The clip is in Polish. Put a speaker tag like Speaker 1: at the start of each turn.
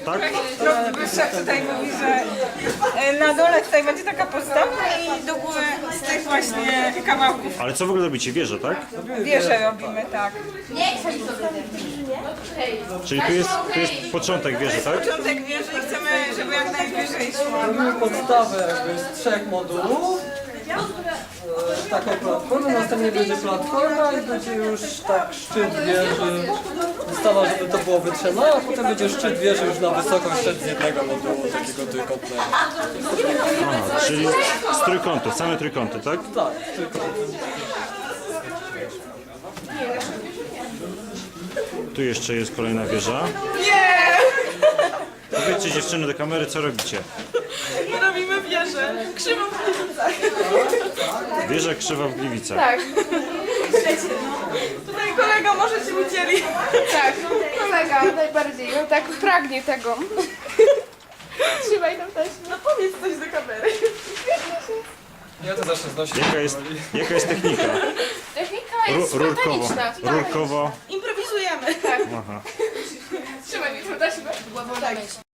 Speaker 1: tak?
Speaker 2: Wyższa tutaj mówi, że na dole tutaj będzie taka podstawa i do góry z tych właśnie kawałków
Speaker 1: Ale co w ogóle robicie? Wieżę, tak?
Speaker 2: wieże robimy, tak.
Speaker 1: Czyli tu jest początek wieży, tak?
Speaker 2: Początek wieży i chcemy, żeby jak najwyżej szło.
Speaker 3: Robimy podstawę jakby z 3 modułów. Taką platformę, następnie będzie platforma i będzie już tak szczyt wieży. Wystawa, żeby to było wytrzymane, a potem będzie szczyt wieży już na wysokość szedł z jednego modułu, takiego trójkątnego.
Speaker 1: Aha, czyli z trójkątów, same trójkąty, tak?
Speaker 3: Tak, trójkąty.
Speaker 1: Tu jeszcze jest kolejna wieża. Powiedzcie dziewczyny do kamery, co robicie?
Speaker 2: Robimy wieżę, krzywą w Gliwicach.
Speaker 1: Wieża krzywa w Gliwicach.
Speaker 4: Tak,
Speaker 2: Tutaj kolega może się udzieli.
Speaker 4: tak, kolega najbardziej, on tak pragnie tego. Trzymaj tam też.
Speaker 2: No powiedz coś do kamery.
Speaker 3: Ja to zacznę znosić.
Speaker 1: Jaka jest technika?
Speaker 4: Technika jest
Speaker 1: Rurkowo.
Speaker 4: spontaniczna.
Speaker 1: Rurkowo.
Speaker 2: Improwizujemy.
Speaker 1: Aha.
Speaker 4: Trzymaj mi to na siebie. Głową na myśl.